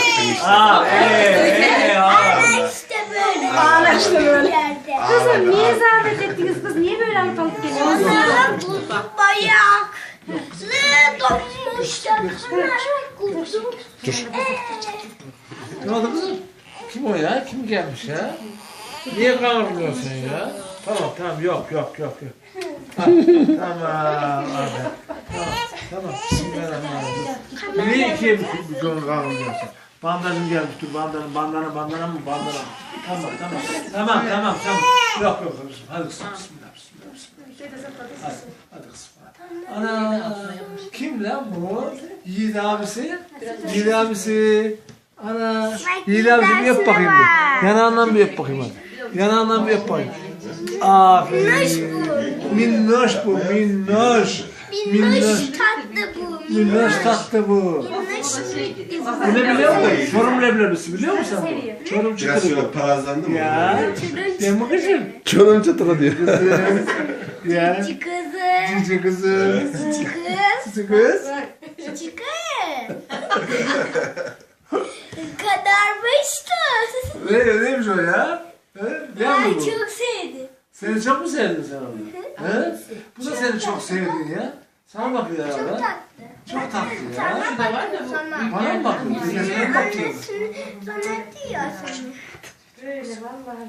işte böyle. Ana işte böyle. Yerde. Kızım niye zahmet ettiniz kız? Niye böyle alıp geliyorsunuz? Onlara kuzu bayak. Ne donmuşlar. Kuzu. Ne oldu kızım? Kim o ya? Kim gelmiş ya? Niye kavurmuyorsun ya? Tamam yok. Ha, tamam abi. Tamam. Bismillahirrahmanirrahim. Niye kim bir konu kavurmuyorsun? Bandajım gelmiş dur bandana mı? Tamam. Yok kızım. Hadi kızım bismillah. Hadi kızım. Ana kim lan bu? Yiğit abisi. Ana Yiğit abisi bir yap bakayım bir. Yanağından bir yap bakayım hadi. Yanağından bir yap bakayım. Aferin. Minnoş bu. Minnoş tatlı bu. Minnoş tatlı bu. Bu ne biliyor musun? Çorum leblebisi biliyor musun bu? Çorum Biraz çıtırı. şöyle parazlandı mı? Ya. Değil mi kızım? Çorum çıtırı diyor. Ya. Cici kızım. Cici kızım. Cici kız. Cici kız. Cici kız. Kadarmıştı. Neymiş o ya? Ne Ay yapıyor bu? çok sevdim. Seni çok mu sevdin sen onu? He? Bu da seni çok sevdi ya. Sana bakıyor Çok ya. tatlı. Çok tatlı ya. Sana bakıyor sana. Bana mı bakıyor? Sana bakıyor. Annesini sana diyor sana. Böyle vallahi.